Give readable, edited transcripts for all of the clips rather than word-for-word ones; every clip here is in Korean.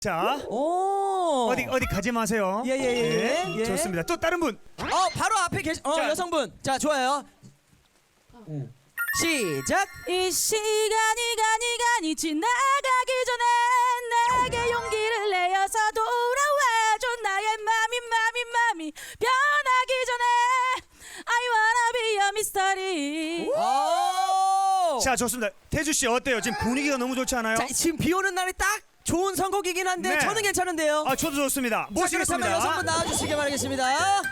자, 오. 어디 가지 마세요. 예. 예. 좋습니다. 또 다른 분. 바로 앞에 계신 자. 여성분. 자, 좋아요. 시작. 이 시간이 지나가기 전에 내게 용기를 내어서 돌아와줘. 나의 맘이 변하기 전에 I wanna be your mystery. 오. 자, 좋습니다. 태주 씨 어때요? 지금 분위기가 너무 좋지 않아요? 자, 지금 비 오는 날에 딱 좋은 선곡이긴 한데 네. 저는 괜찮은데요. 아, 저도 좋습니다. 자, 그렇다면 모시겠습니다. 여성분 나와주시기 바라겠습니다.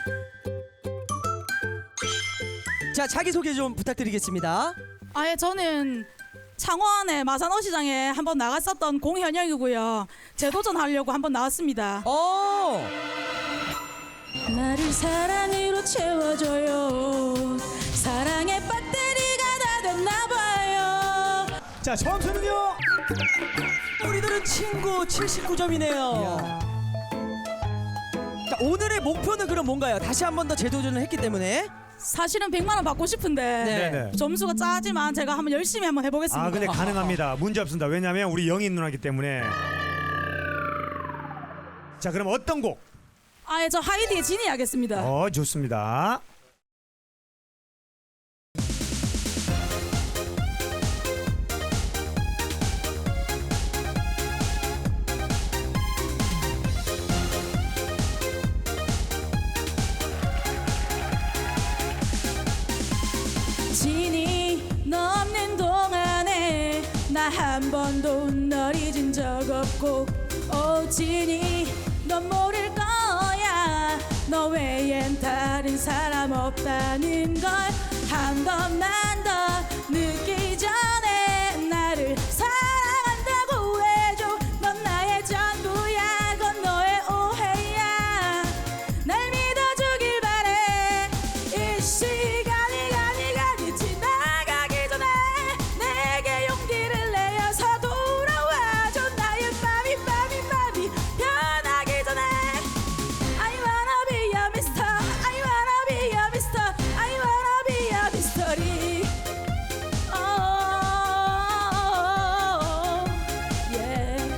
자, 자기소개 좀 부탁드리겠습니다. 아예 저는 창원의 마산어시장에 한번 나갔었던 공현영이고요. 재도전하려고 한번 나왔습니다. 오. 나를 사랑으로 채워줘요. 사랑의 배터리가 다 됐나봐요. 자, 점수는요? 우리들은 친구 79점이네요. 자, 오늘의 목표는 그럼 뭔가요? 다시 한 번 더 재도전을 했기 때문에. 사실은 100만 원 받고 싶은데 네네. 점수가 짜지만 제가 한번 열심히 한번 해보겠습니다. 아, 근데 가능합니다. 문제 없습니다. 왜냐면 우리 영인 누나기 때문에. 자, 그럼 어떤 곡? 아예 저 하이디의 진이 하겠습니다. 좋습니다. 진이 넘는 동안에 나 한 번도 널 잊은 적 없고 오 진이 넌 모를 거야 너 외엔 다른 사람 없다는 걸 한 번만 더 느끼기 전에 나를 사랑한다고 해줘 넌 나의 전부야 그건 너의 오해야 날 믿어주길 바래 이 시간이 지나가기 전에 내게 용기를 내어서 돌아와줘 나의 맘이 변하기 전에 I wanna be your mister I wanna be your mister I wanna be your mystery yeah.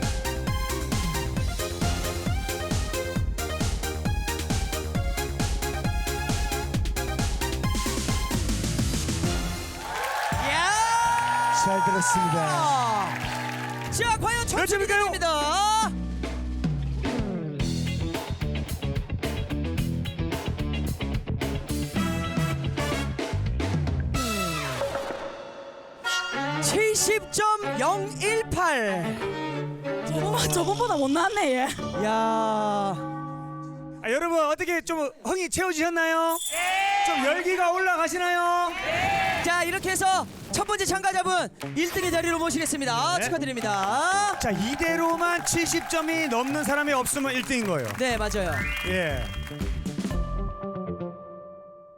야! 잘 들었습니다. 자, 과연 몇 점일까요? 점입니다. (70.018) 저번보다 못 나왔네 얘. 야. 여러분 어떻게 좀 흥이 채워지셨나요? 좀 열기가 올라가시나요? 자, 이렇게 해서 첫 번째 참가자분 1등의 자리로 모시겠습니다. 네. 축하드립니다. 자, 이대로만 70점이 넘는 사람이 없으면 1등인 거예요. 네, 맞아요. 예.